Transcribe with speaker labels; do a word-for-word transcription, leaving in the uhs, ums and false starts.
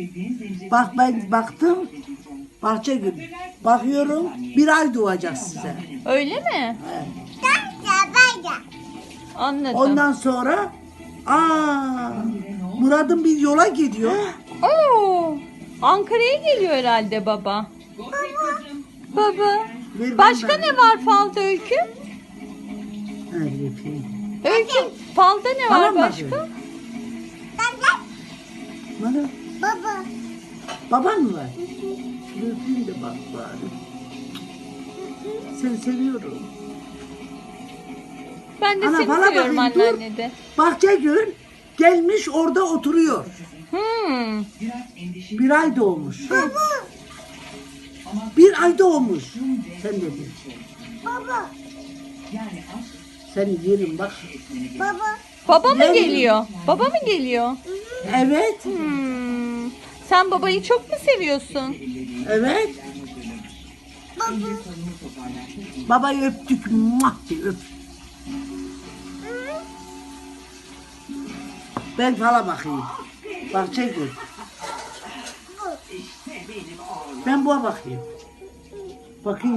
Speaker 1: Bak ben baktım. Bahçegül. Bakıyorum bir ay doğacak size.
Speaker 2: Öyle mi?
Speaker 1: Evet.
Speaker 2: Anladım.
Speaker 1: Ondan sonra aa Murat'ın bir yola gidiyor.
Speaker 2: Oo, Ankara'ya geliyor herhalde baba. Baba.
Speaker 1: Ver
Speaker 2: Başka
Speaker 1: ben-
Speaker 2: ne var falda Öykü?
Speaker 1: Evet, öpeyim.
Speaker 2: Öykü falda ne
Speaker 1: Bana
Speaker 2: var
Speaker 1: mı
Speaker 2: başka?
Speaker 1: bakıyorsun? Bana,
Speaker 3: Baba.
Speaker 1: baban mı var? Öpeyim de bak bari. Seni seviyorum.
Speaker 2: Ben de
Speaker 1: Ana,
Speaker 2: seni
Speaker 1: bana
Speaker 2: seviyorum
Speaker 1: bakayım, dur.
Speaker 2: anneanne de.
Speaker 1: Bahçegül gelmiş orada oturuyor.
Speaker 2: Hmm.
Speaker 1: Bir ay doğmuş. Bir ay doğmuş. Sen de bil.
Speaker 3: Baba.
Speaker 1: Seni yerim bak.
Speaker 3: Baba.
Speaker 2: Baba mı
Speaker 1: Ne?
Speaker 2: geliyor? Baba mı geliyor?
Speaker 1: Evet.
Speaker 2: Hmm. Sen babayı çok mu seviyorsun?
Speaker 1: Evet. Babayı öptük. Muah diye öp. Ben fala bakayım. Bahçegül. Ben buna bakayım. Bakayım.